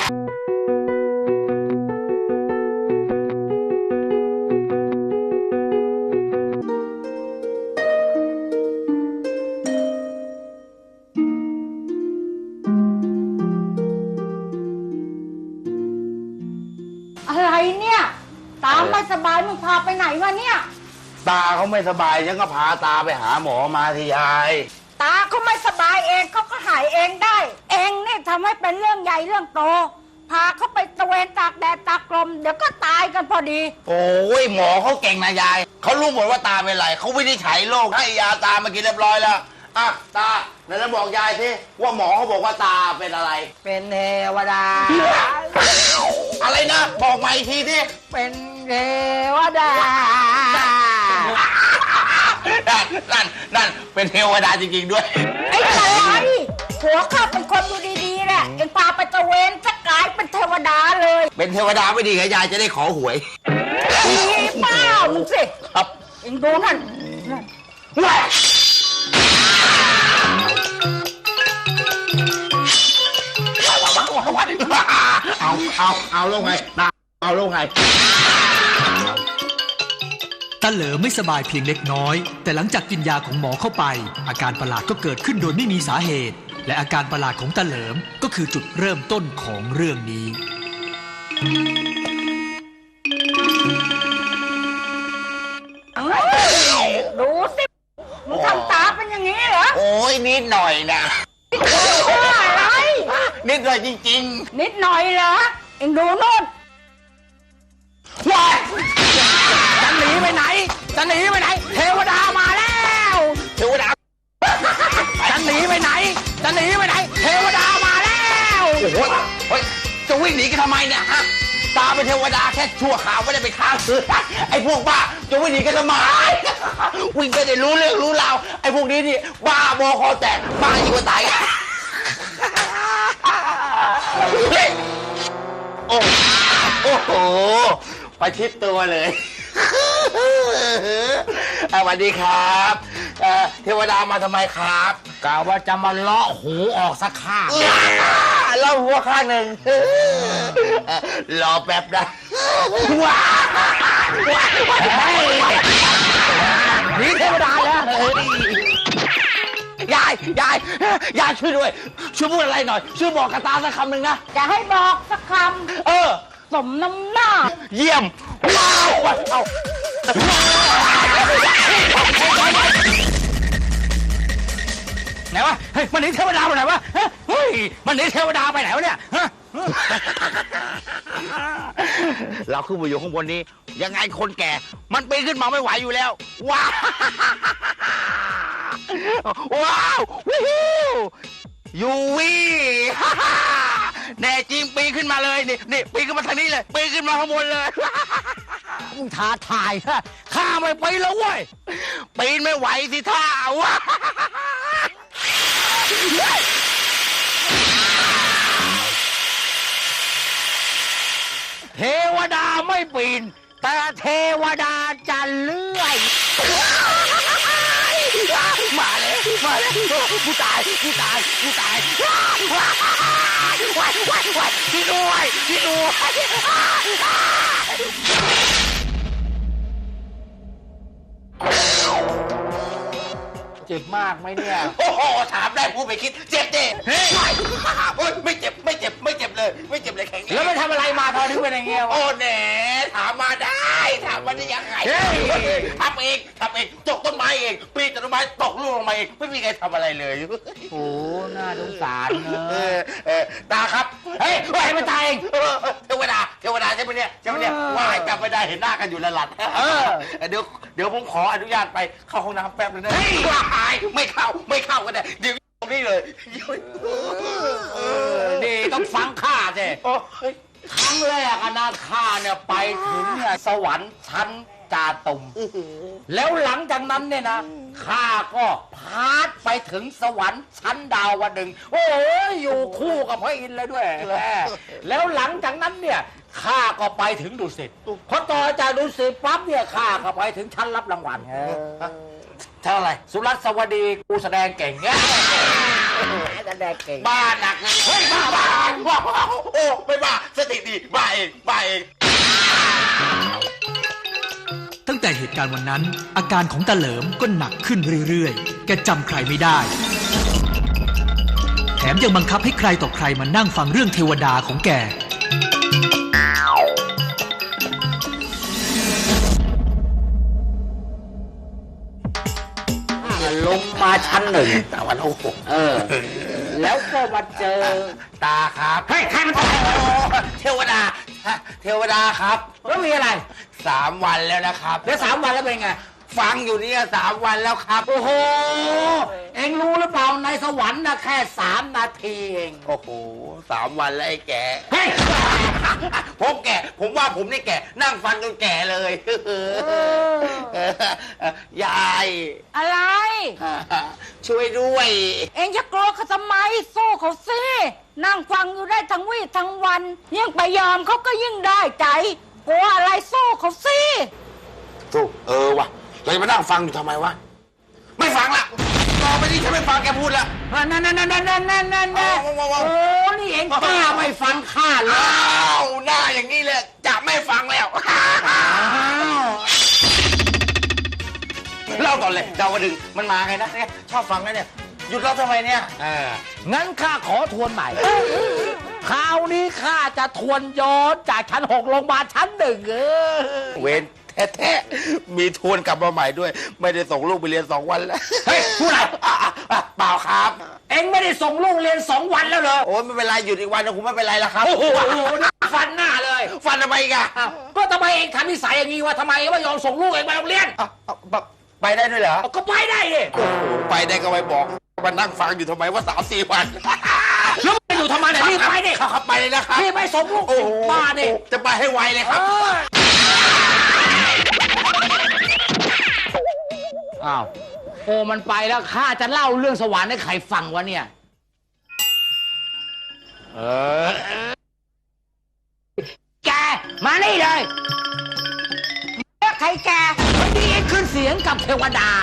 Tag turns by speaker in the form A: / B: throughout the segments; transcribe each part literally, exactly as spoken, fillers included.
A: อะไรเนี่ยตาไม่สบายมึงพาไปไหนวะเนี่ย
B: ตาเขาไม่สบายฉันก็พาตาไปหาหมอมาที่ยาย
A: ตาเขาไม่สบายเองเขาก็หายเองได้เองเนี่ยทำให้เป็นเรื่องใหญ่เรื่องโตพาเขาไปตะเวนตากแดดตากลมเดี๋ยวก็ตายกันพอดี
B: โอ้ยหมอเขาเก่งนะยายเขารู้หมดว่าตาเป็นไรเขาวินิจฉัยโรคให้ยาตามากินเรียบร้อยแล้วอ่ะตาไหนจะบอกยายสิว่าหมอเขาบอกว่าตาเป็นอะไร
A: เป็นเทวดา
B: อะไรนะบอกมาอีกทีสิ
A: เป็นเทวดา
B: นั่นนั่นนั่นเป็นเทวดาจริงๆด้วย
A: ไอ้อะไรหัวข้าเป็นคนดูดีๆแหละเอ็งพาไปตะเวนจะกลายเป็นเทวดาเลย
B: เป็นเทวดาไม่ดีไงยายจะได้ขอหวย
A: ดีเปล่ามึงสิ
B: ครับ
A: เอ็งดูนั่น
B: เอาเอาเอาลงไงเอาลงไง
C: ตาเหลิมไม่สบายเพียงเล็กน้อยแต่หลังจากกินยาของหมอเข้าไปอาการประหลาดก็เกิดขึ้นโดยไม่มีสาเหตุและอาการประหลาดของตาเหลิมก็คือจุดเริ่มต้นของเรื่องนี้
A: ดูสิมึงทำตาเป็นอย่างนี้เหรอ
B: โอ้ยนิดหน่อยนะ
A: อะไร
B: นิดหน่อยจริง
A: ๆนิดหน่อยเหรอเอ็งดูโน่น
B: ว้า
A: จะหนีไปไหนจะหนีไปไหนเทวดามาแล้ว
B: เทวดา
A: จะหนีไปไหนจะหนีไปไหนเทวดามาแล้ว
B: โอ้โหเฮ้ยจะวิ่งหนีกันทำไมเนี่ยฮะตาเป็นเทวดาแค่ชั่วข่าวไม่ได้ไปฆ่าเสือไอ้พวกบ้าจะวิ่งหนีกันทำไมวิ่งไปได้รู้เรื่องรู้ราวไอ้พวกนี้นี่บ้าบอคอแตกบ้ายิ่งกว่าตายโอ้โอ้โหประชิดตัวเลยสวัสดีครับเทวดามาทำไมครับ
D: กล่าวว่าจะมาเลาะหูออกสักข้าง
B: เลาะหัวข้างหนึ่งรอแป๊บนะว้า
D: นี่เทวดาแล้ว
B: ยายยายยายช่วยด้วยช่วยพูดอะไรหน่อยช่วยบอกกับตาสักคำหนึ่งนะ
A: จะให้บอกสักค
B: ำเออ
A: สมน้ำหน้า
B: เยี่ยมว้าวเอา
D: ไหนวะเฮ้ยมันหนีเทวดาไปไหนวะเฮ้ยมันหนีเทวดาไปไหนวะเนี่ย
B: เราขึ้นมาอยู่ข้างบนนี้ยังไงคนแก่มันปีนขึ้นมาไม่ไหวอยู่แล้วว้าวว้าววิวยูวีแน่จริงปีนขึ้นมาเลยนี่นี่ปีนขึ้นมาทางนี้เลยปีนขึ้นมาข้างบนเลย
D: มึงท้าทายฮะข้าไม่ไปแล้วเว้ย
B: ปีนไม่ไหวสิท่าวะ
D: เทวดาไม่ปีนแต่เทวดาจะเลื่อย
B: มาเลยมาเลยผู้ตายผู้ตายผู้ตายว้ายว้ายว้ายที่ด้วยที่ด้วย
D: เจ็บมากไหมเนี่ย
B: โอ้โหถามได้พูดไปคิดเจ็บดิเฮ้ยไม่เจ็บไม่เจ็บไม่เจ็บเลยไม่เจ็บเลยแข็ง
D: แล้วไม่ทำอะไรมาพอถึงเป็นอย่างเงี้ย
B: โอ้แหน่ถามมาได้ถามมาได้ยังไงทำเองทำเองตกต้นไม้เองปีนต้นไม้ตกลูกลงมาเองไม่มีใครทำอะไรเลย
D: โอ้น่าสงสารเนอะ
B: เออตาครับเฮ้ยว่าให้มันตายเองเทวดาเทวดาใช่ไหมเนี่ยใช่ไหมเนี่ยว่าให้จำไม่ได้เห็นหน้ากันอยู่ละหลัดเออเดี๋ยวเดี๋ยวผมขออนุญาตไปเข้าห้องน้ำแป๊บนึงนะไม่เข้าไม่เข้ากันเลยเดี๋ยวตรงนี้เลย
D: นี่ต้องฟังข้าสิครั้งแรกนะข้าเนี่ยไปถึงเนี่ยสวรรค์ชั้นจาตุมแล้วหลังจากนั้นเนี่ยนะข้าก็พาดไปถึงสวรรค์ชั้นดาวดึงโอ้ยอยู่คู่กับพระอินทร์เลยด้วยแล้วหลังจากนั้นเนี่ยข้าก็ไปถึงดุสิตพอต่อจากดุสิตปั๊บเนี่ยข้าก็ไปถึงชั้นรับรางวัล
B: เท่าไหร่
D: สุรัตน์สวัสดีกูแสดงเก่งแสดงเก่ง
B: บ้าหนักเลยเฮ้ยบ้าบ้าบ้าโอ้ไม่บ้าบ้าเองบ้าเอง
C: ตั้งแต่เหตุการณ์วันนั้น อาการของตาเหลิมก็หนักขึ้นเรื่อยๆ แกจำใครไม่ได้ แถมยังบังคับให้ใครต่อใครมานั่งฟังเรื่องเทวดาของแก
D: ลงมาชั้นหนึ่ง
B: ตาวันโอ้โห
D: เออ แล้วก็มาเจอ
B: ตาครับเฮ้ยใครมันเทวดาเทวดาครับ
D: แล้วมีอะไร
B: สามวันแล้วนะครับ
D: แล้วสามวันแล้วเป็นไง
B: ฟังอยู่เนี่ยสามวันแล้วครับ
D: โอ้โห เอ็งรู้หรือเปล่าในสวรรค์นะแค่สามนาทีเอง
B: โอ้โหสามวันแล้วไอ้แก
D: เฮ้ย
B: ผมแก่ ผมว่าผมนี่แก่ นั่งฟังจนแก่เลยยาย
A: อะไร
B: ช่วยด้วย
A: เองจะกลัวเขาทำไมสู้เขาสินั่งฟังอยู่ได้ทั้งวี่ทั้งวันยิ่งไปยอมเขาก็ยิ่งได้ใจกลัวอะไรสู้เขาสิ
B: สู้เออวะเราจะมานั่งฟังอยู่ทำไมวะ ไม่ฟังละต่อไปนี้ฉันไม่ฟังแกพูดละ
D: นั่นนั่นนั่นนั่นนั่นนั่นนั่นนั่นโอ้ นี่เอ็งกล้าไม่ฟังข้าเลย
B: อ้าวหน้าอย่างนี้เลยจะไม่ฟังแล้วเล่าก่อนเลยดาวดึงมันมาไงนะเนี่ยชอบฟังนะเนี่ยหยุดเล่าทำไมเนี่ย
D: เอองั้นข้าขอทวนใหม่ คราวนี้ข้าจะทวนย้อนจากชั้นหกลงมาชั้นหนึ่งเออ
B: เวนแท้ๆมีทวนกลับมาใหม่ด้วย ไม่ได้ส่งลูกไปเรียนสองวันแล้ว
D: เฮ้ยพูดอะไร
B: อ่ะอ่ะอ่ะเปล่าครับ
D: เอ็งไม่ได้ส่งลูกเรียนสองวันแล้วเหรอ
B: โอ้ยไม่เป็นไรหยุดอีกวันนะคุณไม่เป็นไรแล้วครับ
D: โอ้โหฟันหน้าเลย
B: ฟันทำไมอีกอะ
D: อ้าวก็ทำไมเองทำนิสัยอย่างนี้วะทำไมไม่ยอมส่งลูกเองไปโรงเรียน
B: อ่ะอ่ะไปไปได้ด้วยเหรอ
D: เอาก็ไปได้ดิ
B: โอ้โหไปได้ก็ไปบอกมานั่งฟังอยู่ทำไมว่าสามสี่วัน
D: แล้วมึงจะอยู่ทำไมเนี่ยรีบไปดิ
B: ครับครับไปเลยนะครับ
D: รีบไปส่งลูก
B: โอ้โห
D: บ้าดิ
B: จะไปให้ไวเลยครับ
D: อ้าวโอ้มันไปแล้วข้าจะเล่าเรื่องสวรรค์ให้ใครฟังวะเนี่ยเออแกมานี่เลย
A: เรียกใครแก
D: วันนี้เองขึ้นเสียงกับเทวดา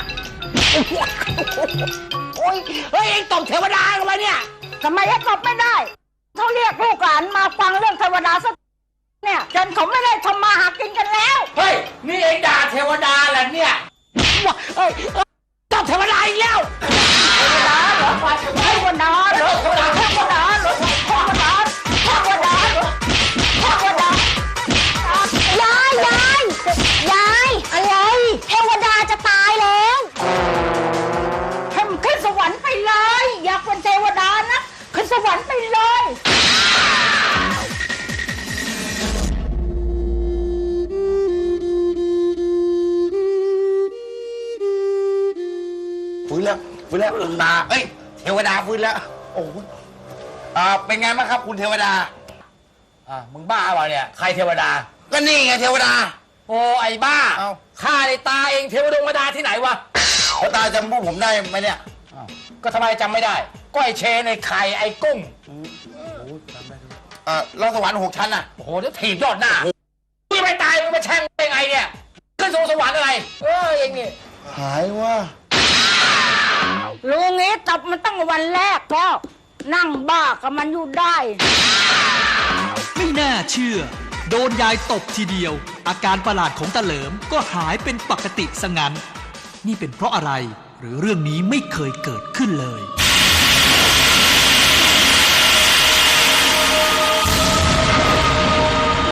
D: โอ้ยเฮ้ยเองตบเทวดาทำไมเนี่ย
A: ทำไมยังตอบไม่ได้เขาเรียกลูกหลานมาฟังเรื่องเทวดาสักเนี่ยจนเขาไม่ได้ทำมาหากินกันแล้ว
D: เฮ้ยนี่เองด่าเทวดาเหรอเนี่ยว้าเฮ้ยตบเทวดาอีกแล้ว
A: เทวดาเหรอเทวดาเหรอเทวดาเทวดาเหรอเทวดาเทวดาเหรอเทวดายายยายยายอะไรเทวดาจะตายแล้วเข้มขึ้นสวรรค์ไปเลยอยากเป็นเทวดานะขึ้นสวรรค์ไปเลย
B: ฟื้นแล้วฟื้นแล้วลืมตาเอ้ยเทวดาฟื้นแล้วโอ้โหอ่าเป็นไงบ้างครับคุณเทวดา
D: อ่ะมึงบ้าเปล่าเนี่ยใครเทวดา
B: ก็นี่ไงเทวดา
D: โอ้ไอ้บ้า
B: เอ้า
D: ข้าในตาเองเทวดงดาที่ไหนวะ
B: เขาตาจำพวกผมได้ไหมเนี่ย
D: อ้าวก็ทำไมจำไม่ได้ก็ไอ้เชนไอ้ไข่ไอ้กุ้ง
B: เออเราสวรรค์หกชั้นน่ะ
D: โอ้โหเดี๋ยวถีบยอดหน้ามึงจะไปตายมึงมาแช่งได้ไงเนี่ยขึ้นสู่สวรรค์อะไรเออเองนี่
B: หายว่า
A: รู้งี้ตบมันตั้งวันแรกแล้วนั่งบ้ากับมันอยู่ได้
C: ไม่น่าเชื่อ โดนยายตบทีเดียว อาการประหลาดของตาเหลิมก็หายเป็นปกติซะงั้น นี่เป็นเพราะอะไร หรือเรื่องนี้ไม่เคยเกิดขึ้นเลย